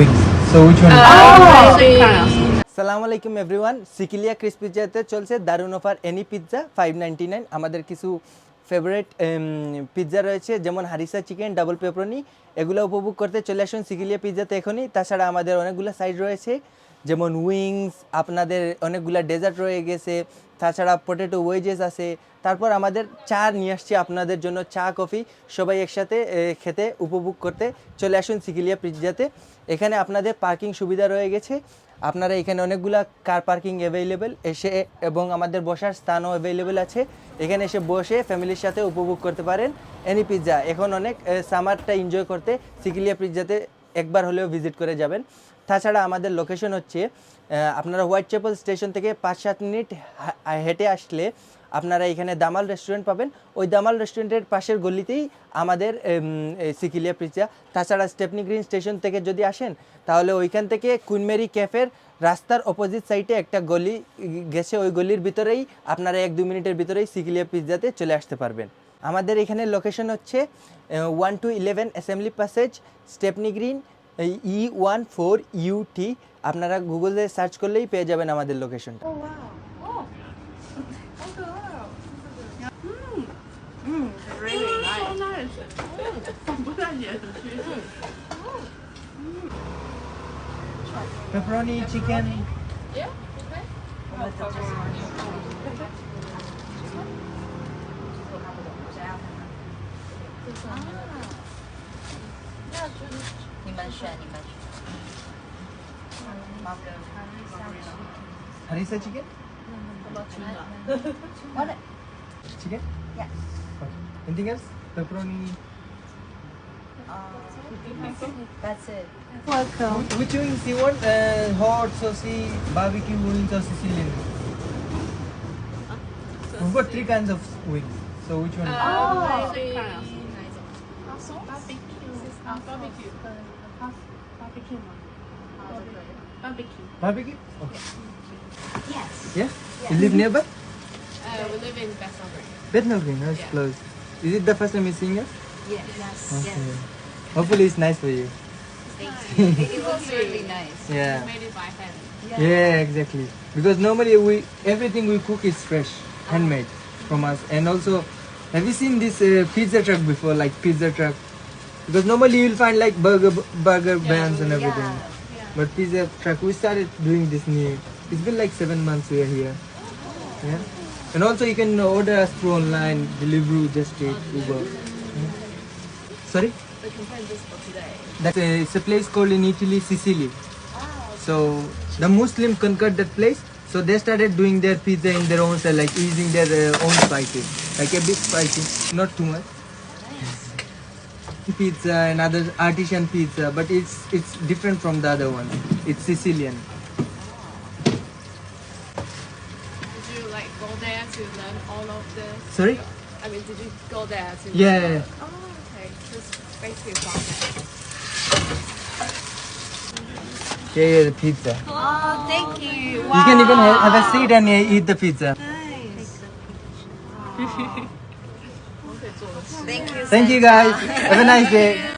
wings. So which one? সালামু আলাইকুম everyone, সিকিলিয়া Chris পিৎজাতে চলছে দারুন অফার। Any pizza 599। আমাদের কিছু ফেভারিট পিৎজা রয়েছে, যেমন হারিসা চিকেন, ডাবল পেপারনি। এগুলো উপভোগ করতে চলে আসুন সিকিলিয়া পিৎজাতে এখনই। তাছাড়া আমাদের অনেকগুলো সাইড রয়েছে, যেমন উইংস, আপনাদের অনেকগুলো ডেজার্ট রয়ে গেছে, তাছাড়া পটেটো ওয়েজেস আছে। তারপর আমাদের চা নিয়ে আসছি আপনাদের জন্য, চা কফি সবাই একসাথে খেতে উপভোগ করতে চলে আসুন সিকিলিয়া পিৎজাতে। এখানে আপনাদের পার্কিং সুবিধা রয়ে গেছে, আপনারা এখানে অনেকগুলা কার পার্কিং অ্যাভেলেবেল এসে, এবং আমাদের বসার স্থানও অ্যাভেলেবেল আছে। এখানে এসে বসে ফ্যামিলির সাথে উপভোগ করতে পারেন এনি পিৎজা। এখন অনেক সামারটা এনজয় করতে সিকিলিয়া পিৎজাতে একবার হলেও ভিজিট করে যাবেন। তাছাড়া আমাদের লোকেশন হচ্ছে, আপনারা হোয়াইট চ্যাপেল স্টেশন থেকে 5-7 মিনিট হেঁটে আসলে আপনারা এখানে দামাল রেস্টুরেন্ট পাবেন। ওই দামাল রেস্টুরেন্টের পাশের গলিতেই আমাদের সিকিলিয়া পিৎজা। তাছাড়া স্টেপনি গ্রিন স্টেশন থেকে যদি আসেন, তাহলে ওইখান থেকে কুইন মেরি ক্যাফের রাস্তার অপোজিট সাইডে একটা গলি গেছে, ওই গলির ভিতরেই আপনারা 1-2 মিনিটের ভিতরেই সিকিলিয়া পিৎজাতে চলে আসতে পারবেন। আমাদের এখানে লোকেশন হচ্ছে 1-11 assembly passage, Stepney green, E14UT। আপনারা গুগলে সার্চ করলেই পেয়ে যাবেন আমাদের লোকেশনটা। Really nice. Pepperoni, chicken. Yeah, okay. Harissa chicken? What? Chicken? Yes. Okay. Anything else? Pepperoni. That's it. Which wings you want? Hot, saucy, barbecue wings or Sicilian? We've got 3 kinds of wings. So which one? Barbecue. Barbecue? Okay. Yes. Yeah? You live nearby? We live in Bethnal Green. Bethnal Green, that's Yeah. close. Is it the first time you're seeing us? Yes. Okay. Hopefully it's nice for you. It looks really nice. Yeah. Made it by hand. Yeah, exactly. Because normally everything we cook is fresh, handmade from us. And also, have you seen this pizza truck before, like pizza truck? Because normally you'll find like burger bands and everything. But pizza truck, we started doing this new. It's been like 7 months we are here. Yeah. And also you can order us through online, Deliveroo, Just Eat, Uber. Sorry? We can find this for today. It's a place called in Italy, Sicily. So the Muslim conquered that place. So they started doing their pizza in their own style, like using their own spices, like a bit spicy, not too much. Pizza and other artisan pizza, but it's different from the other one. It's Sicilian. Did you like go there to learn all of this? Sorry? I mean, did you go there to? Yeah. Oh, okay. Just basically from there. Yeah, the pizza. Oh, thank you. You can even have a seat and eat the pizza. Thank you. Thank you guys. Have a nice day.